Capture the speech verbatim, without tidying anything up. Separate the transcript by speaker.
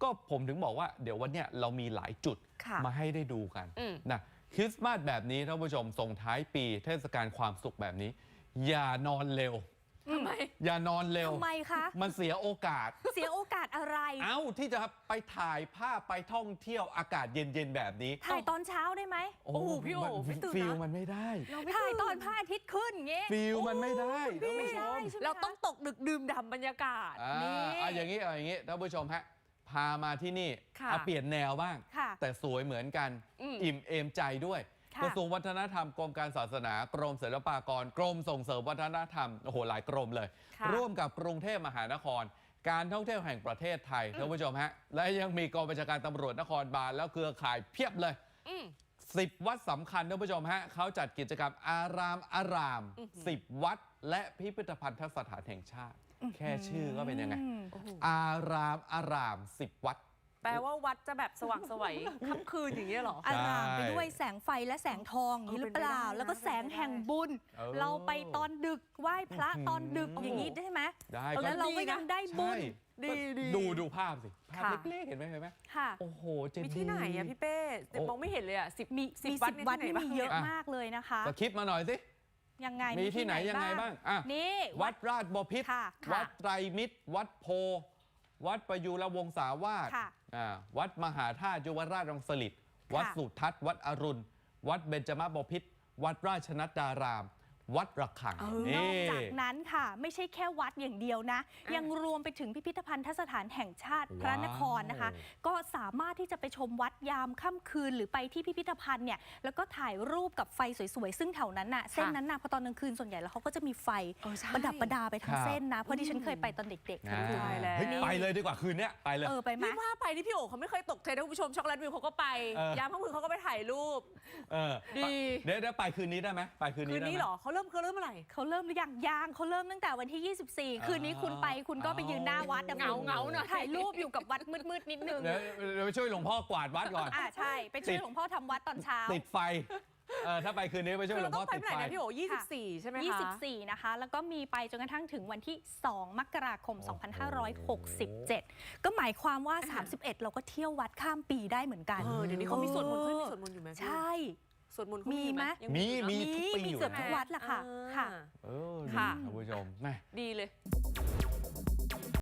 Speaker 1: ก็ผมถึงบอกว่าเดี๋ยววันเนี้ยเรามีหลายจุดมาให้ได้ดูกันนะคริสต์มาสแบบนี้ท่านผู้ชมส่งท้ายปีเทศกาลความสุขแบบนี้อย่านอนเร็ว
Speaker 2: ทำไม
Speaker 1: อย่านอนเร็ว
Speaker 3: ทำไมคะ
Speaker 1: มันเสียโอกาส
Speaker 3: เสียโอกาสอะไร
Speaker 1: เอ้าที่จะไปถ่ายภาพไปท่องเที่ยวอากาศเย็นๆแบบนี้
Speaker 3: ถ่ายตอนเช้าได้ไหม
Speaker 1: โอ้โหพี่โอ้ฟิลมันไม่ได้
Speaker 3: ถ่ายตอนพระอาทิตย์ขึ้นเงี้ย
Speaker 1: ฟิลมันไม่ได้ท่านผู้ชม
Speaker 2: เราต้องตกดึกดื่มด่ำบรรยากาศ
Speaker 1: นี่อ่าอย่างนี้อย่างนี้ท่านผู้ชมฮะพามาที่นี่เอาเปลี่ยนแนวบ้างแต่สวยเหมือนกันอิ่มเอมใจด้วยกระทรวงวัฒนธรรมกรมการศาสนากรมศิลปากรกรมส่งเสริมวัฒนธรรมโอ้โหหลายกรมเลยร่วมกับกรุงเทพมหานครการท่องเที่ยวแห่งประเทศไทยท่านผู้ชมฮะและยังมีกองบัญชาการตำรวจนครบาลแล้วเครือข่ายเพียบเลยสิบวัดสำคัญท่านผู้ชมฮะเขาจัดกิจกรรมอารามอารามสิบวัดและพิพิธภัณฑสถานแห่งชาติแค่ชื่อก็เป็นยังไงอารามอารามสิบวัด
Speaker 2: แปลว่าวัดจะแบบสว่างไสวค่ำคืนอย่างเงี้ยหรอ
Speaker 3: อารามไปด้วยแสงไฟและแสงทองอย่างนี้หรือเปล่าแล้วก็แสงแห่งบุญเราไปตอนดึกไหว้พระตอนดึกอย่างนี้ได้ไหม
Speaker 1: ได้
Speaker 3: แล้วเราก็ยังได้บุญ
Speaker 1: ดีดูดูภาพสิภาพเล็กๆเห็นไหมเห็นไหม
Speaker 3: ค่ะ
Speaker 1: โอ้โหเจดีย์
Speaker 2: มีที่ไหนอะพี่เป้มองไม่เห็นเลยอะสิบ
Speaker 3: มีสิบวัดนี่มีเยอะมากเลยนะคะ
Speaker 1: สคริปต์มาหน่อยสิ
Speaker 3: ยังไง
Speaker 1: มีที่ไหนยังไงบ้างอ่ะ
Speaker 3: นี่
Speaker 1: วัดราชบพิตรวัดไตรมิตรวัดโพวัดประยุรวงศาวาสวัดมหาธาตุยุวราชรังสฤษฎ์วัดสุทัศน์วัดอรุณวัดเบญจมาบพิตรวัดราชนัดดารามวัดระฆัง
Speaker 3: นอกจากนั้นค่ะไม่ใช่แค่วัดอย่างเดียวนะยังรวมไปถึงพิพิธภัณฑสถานแห่งชาติพระนครนะคะก็สามารถที่จะไปชมวัดยามค่ำคืนหรือไปที่พิพิธภัณฑ์เนี่ยแล้วก็ถ่ายรูปกับไฟสวยๆซึ่งแถวนั้นน่ะเส้นนั้นน่ะพอตอนกลางคืนส่วนใหญ่แล้วเขาก็จะมีไฟประดับประดาไปทั้งเส้นนะเพราะที่ฉันเคยไปตอนเด็ก
Speaker 1: ๆไปเลยดีกว่าคืนนี้ไปเลย
Speaker 3: เออไปไหม
Speaker 2: ว่าไปที่พี่โอ๋เขาไม่เคยตกเทรนด์ท่านผู้ชมช็อกโกแลตวิวเขาก็ไปยามค่ำคืนเขาก็ไปถ่ายรูป
Speaker 1: ดีเดี๋ยวไปคืนนี้ได้ไหมไปคืนนี้
Speaker 2: คืนนี้หรอเขาเริ่มเขาเริ่มเมื่อไหร่
Speaker 3: เขาเริ่มหรือยังยังเขาเริ่มตั้งแต่วันที่ยี่สิบสี่คืนนี้คุณไปคุณก็ไปยืนหน้าวัด
Speaker 2: เงาเงาหน่อย
Speaker 3: ถ่ายรูปอยู่กับวัดมืดๆนิดนึง
Speaker 1: เดี๋ยวไปช่วยหลวงพ่อกวาดวัดก่อน
Speaker 3: อ่าใช่ไปช่วยหลวงพ่อทำวัดตอนเช้า
Speaker 1: ติดไฟเออถ้าไปคืนนี้ไปช่วยหลวงพ่อติดไฟ
Speaker 2: พี่โอ๋ยี่สิบสี่ใช่ไหมคะ
Speaker 3: ยี่สิบสี่นะคะแล้วก็มีไปจนกระทั่งถึงวันที่สองมกราคมสองพันห้าร้อยหกสิบเจ็ดก็หมายความว่าสามสิบเอ็ดเราก็เที่ยววัดข้ามปีได้เหมือนกัน
Speaker 2: เดี๋ยวนี้เขามีสวดมนต์ขึ้นมีสวดมนต์อยู่ไหม
Speaker 3: ใช่
Speaker 2: สวดมนต์
Speaker 3: มีไหม
Speaker 1: มีมีทุกปี
Speaker 3: อยู่ทุกวัดแหละค่ะ
Speaker 1: เออค่ะท่านผู้ชม
Speaker 2: ดีเลย